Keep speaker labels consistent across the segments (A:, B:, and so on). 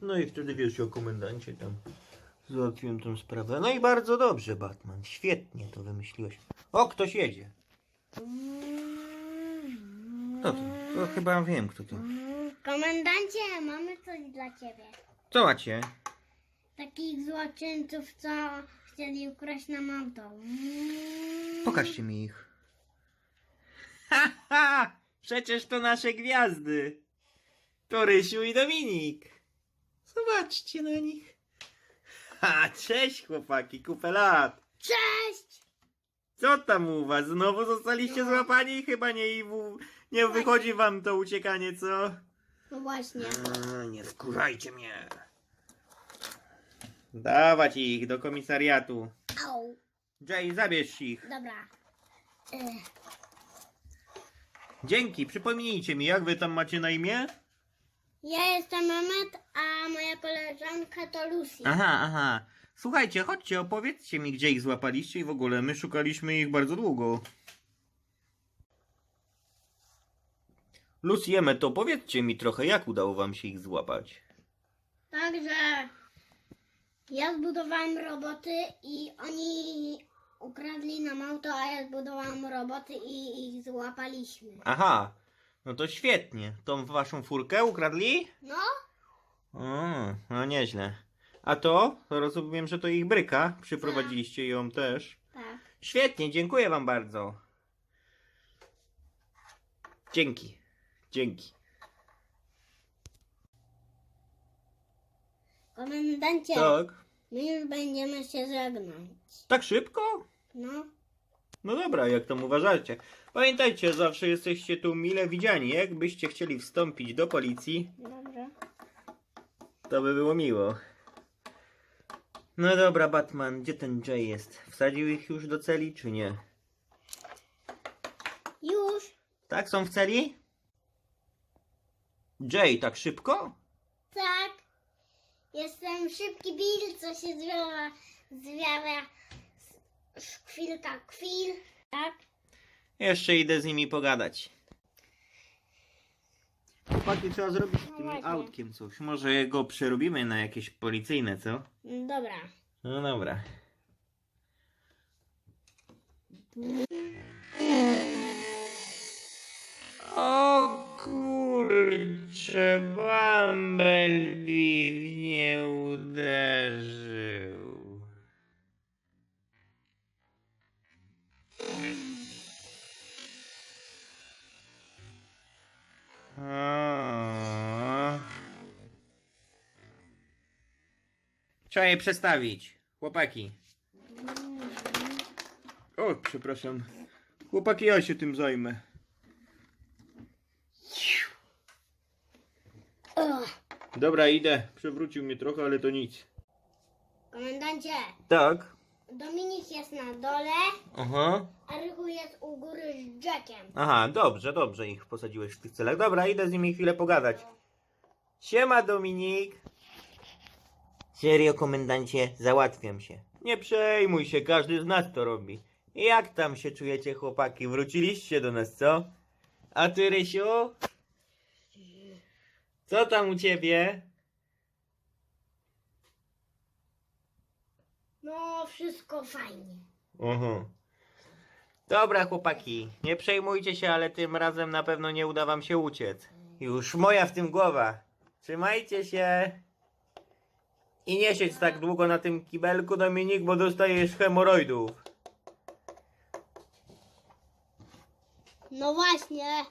A: No i wtedy wiesz o komendancie tam. Załatwiłem tą sprawę. No i bardzo dobrze, Batman. Świetnie to wymyśliłeś. O, ktoś jedzie. Kto to? To chyba wiem, kto to.
B: Komendancie, mamy coś dla ciebie.
A: Co macie?
B: Takich złoczyńców, co chcieli ukraść nam auto.
A: Pokażcie mi ich. Ha, ha! Przecież to nasze gwiazdy. To Rysiu i Dominik. Zobaczcie na nich. Ha, cześć chłopaki, kupę lat.
B: Cześć!
A: Co tam u was? Znowu zostaliście złapani? Chyba nie wychodzi wam to uciekanie, co?
B: No właśnie.
A: Nie wkurzajcie mnie. Dawać ich do komisariatu.
B: Au.
A: Jay, zabierz ich.
B: Dobra.
A: Dzięki, przypomnijcie mi, jak wy tam macie na imię?
B: Ja jestem Mehmet, a moja koleżanka to Lucy.
A: Aha. Słuchajcie, chodźcie, opowiedzcie mi, gdzie ich złapaliście i w ogóle. My szukaliśmy ich bardzo długo. Lucy, Emmet, opowiedzcie mi trochę, jak udało wam się ich złapać.
B: Także ja zbudowałem roboty i oni ukradli nam auto, a ja zbudowałem roboty i ich złapaliśmy.
A: Aha, no to świetnie. Tą waszą furkę ukradli?
B: No?
A: No nieźle. A to rozumiem, że to ich bryka. Przyprowadziliście ją też.
B: Tak.
A: Świetnie, dziękuję wam bardzo. Dzięki.
B: Komendancie,
A: Tak?
B: my już będziemy się żegnać.
A: Tak szybko?
B: No.
A: No dobra, jak tam uważacie. Pamiętajcie, zawsze jesteście tu mile widziani. Jakbyście chcieli wstąpić do policji,
B: Dobrze.
A: to by było miło. No dobra, Batman, gdzie ten Jay jest? Wsadził ich już do celi, czy nie?
B: Już?
A: Tak, są w celi? Jay, tak szybko?
B: Tak. Jestem szybki Bill, co się zwiała szkwilka kwil. Tak?
A: Jeszcze idę z nimi pogadać. Chłopaki, trzeba zrobić z tym
B: właśnie.
A: autkiem coś. Może go przerobimy na jakieś policyjne, co?
B: Dobra.
A: No dobra. O kurczę, Bumblebee mnie uderzył. Trzeba je przestawić. Chłopaki. O, przepraszam. Chłopaki, ja się tym zajmę. Dobra, idę. Przewrócił mnie trochę, ale to nic.
B: Komendancie,
A: Tak.
B: Dominik jest na dole,
A: Aha.
B: a Rychu jest u góry z Jackiem.
A: Aha, dobrze ich posadziłeś w tych celach. Dobra, idę z nimi chwilę pogadać. Siema, Dominik. Serio, komendancie, załatwiam się. Nie przejmuj się, każdy z nas to robi. Jak tam się czujecie, chłopaki? Wróciliście do nas, co? A ty, Rysiu? Co tam u ciebie?
B: No, wszystko fajnie.
A: Aha. Dobra, chłopaki, nie przejmujcie się, ale tym razem na pewno nie uda wam się uciec. Już moja w tym głowa. Trzymajcie się. I nie siedź tak długo na tym kibelku, Dominik, bo dostajesz hemoroidów.
B: No właśnie.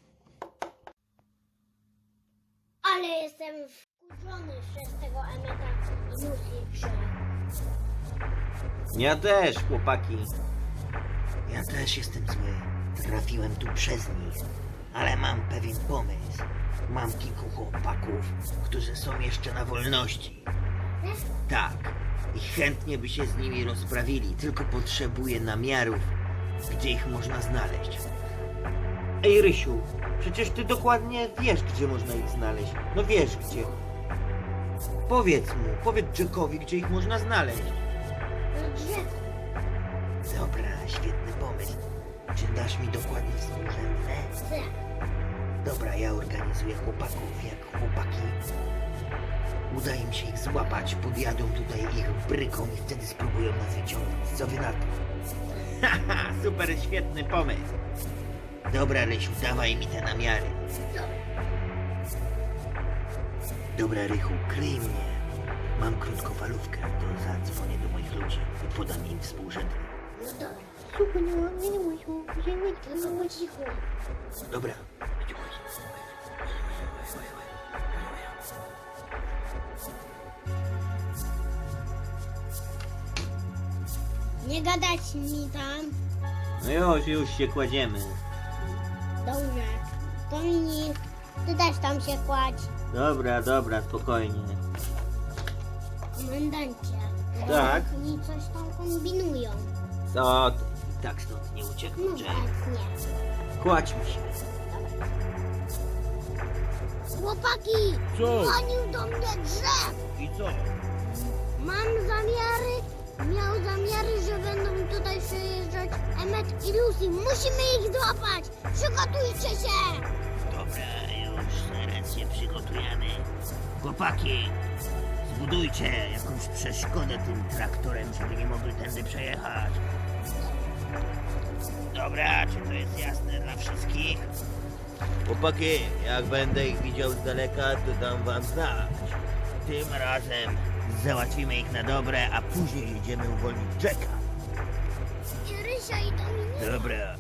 B: Ale jestem wkurzony przez tego Emmeta i Lucy, że...
A: Ja też, chłopaki. Ja też jestem zły. Trafiłem tu przez nich. Ale mam pewien pomysł. Mam kilku chłopaków, którzy są jeszcze na wolności. Tak. I chętnie by się z nimi rozprawili. Tylko potrzebuję namiarów, gdzie ich można znaleźć. Ej, Rysiu, przecież ty dokładnie wiesz, gdzie można ich znaleźć. No wiesz gdzie. Powiedz Jackowi, gdzie ich można znaleźć.
B: No drzewo.
A: Dobra, świetny pomysł. Czy dasz mi dokładnie współrzędne?
B: Tak.
A: Dobra, ja organizuję chłopaków, jak chłopaki uda im się ich złapać, podjadą tutaj ich bryką i wtedy spróbują nas wyciągnąć. Co wy na to? Haha, super, świetny pomysł. Dobra, Rysiu, dawaj mi te namiary. Dobra, Rychu, kryj mnie. Mam krótkofalówkę, to zadzwonię do moich ludzi i podam im współrzędne.
B: No dobra. Tylko po cichu.
A: Dobra.
B: Nie gadać mi tam.
A: No już się kładziemy.
B: Dobrze. Dominik, ty też tam się kładź.
A: Dobra, spokojnie.
B: Komendancie.
A: Tak?
B: Oni coś tam kombinują.
A: Co ty? I tak stąd nie uciekną,
B: No
A: Jack.
B: nie.
A: Kładźmy się.
B: Chłopaki!
A: Co?
B: Dzwonił do mnie drzew!
A: I co?
B: Miał zamiary, że będą tutaj przejeżdżać Emmet i Lucy. Musimy ich złapać! Przygotujcie się!
A: Dobra, już zaraz się przygotujemy. Chłopaki, zbudujcie jakąś przeszkodę tym traktorem, żeby nie mogli tędy przejechać. Dobra, czy to jest jasne dla wszystkich? Chłopaki, jak będę ich widział z daleka, to dam wam znać. Tym razem załatwimy ich na dobre, a później jedziemy uwolnić Jacka.
B: I Rysia i Dominik.
A: Dobra.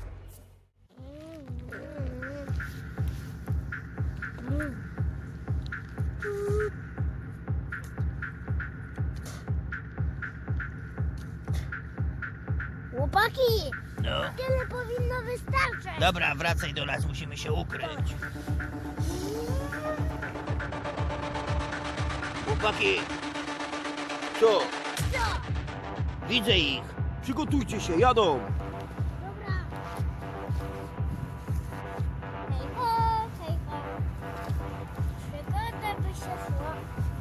B: Chłopaki!
A: No.
B: Tyle powinno wystarczyć.
A: Dobra, wracaj do nas, musimy się ukryć. Chłopaki! Co?
B: Co?
A: Widzę ich! Przygotujcie się, jadą!
B: Dobra. Hej ho, hej ho. Przygoda by się szło.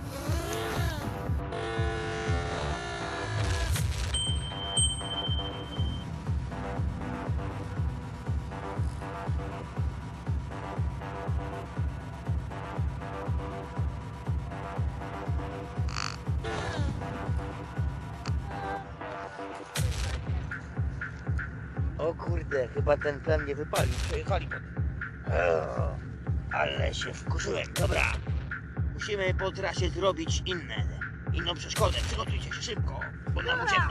A: O kurde, chyba ten plan nie wypalił. Przejechali potem. Ale się wkurzyłem. Dobra. Musimy po trasie zrobić inną przeszkodę. Przygotujcie się szybko, bo nam uciekną.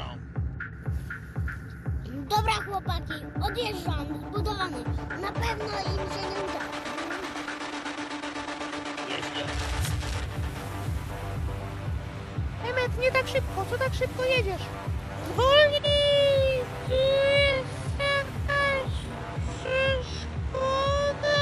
B: Dobra chłopaki, odjeżdżam, zbudowany. Na pewno im się nie uda.
A: Jeźdź.
C: Emmet, nie tak szybko, co tak szybko jedziesz? Wolniej! Tu jest jakaś przeszkoda!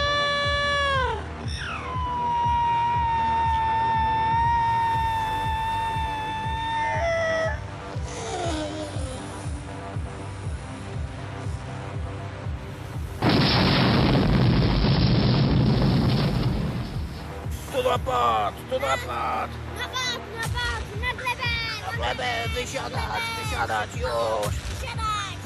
A: To napad! To napad!
B: Napad, na glebę, na
A: Glebę, wysiadać, już!
B: siadać.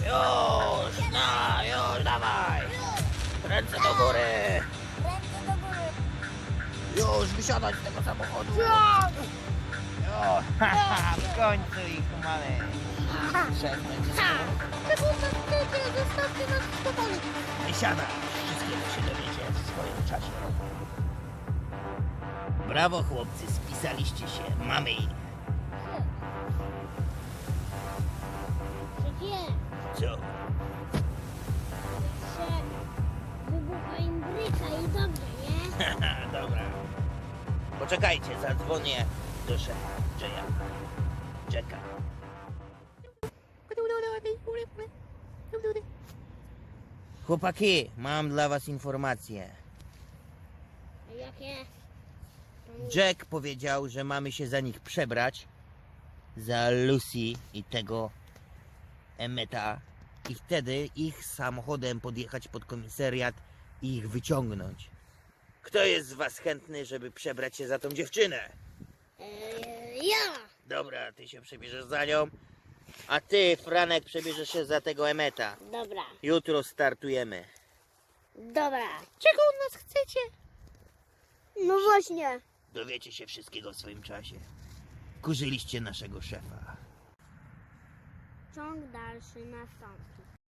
A: Już, dawaj! Ręce do góry!
B: Ręce do góry.
A: Już, wysiadać z tego samochodu! O, w końcu ich mamy! Przestań się
C: Czego tak chcecie? Zostawcie nas w spokoju.
A: wysiadać! Wszystkiego się dowiecie w swoim czasie. Brawo chłopcy, spisaliście się, mamy ich.
B: Przecież
A: Co?
B: jeszcze wybuchła im bryka i dobrze, nie?
A: Dobra. Poczekajcie, zadzwonię do szefa. Czekam. Chłopaki, mam dla was informację.
B: Jakie?
A: Jack powiedział, że mamy się za nich przebrać. Za Lucy i tego Emmeta. I wtedy ich samochodem podjechać pod komisariat i ich wyciągnąć. Kto jest z was chętny, żeby przebrać się za tą dziewczynę?
B: Ja!
A: Dobra, ty się przebierzesz za nią. A ty, Franek, przebierzesz się za tego Emmeta.
B: Dobra,
A: Jutro startujemy.
B: dobra.
C: Czego od nas chcecie?
B: No właśnie.
A: Dowiecie się wszystkiego w swoim czasie. Kurzyliście naszego szefa.
B: Ciąg dalszy nastąpi.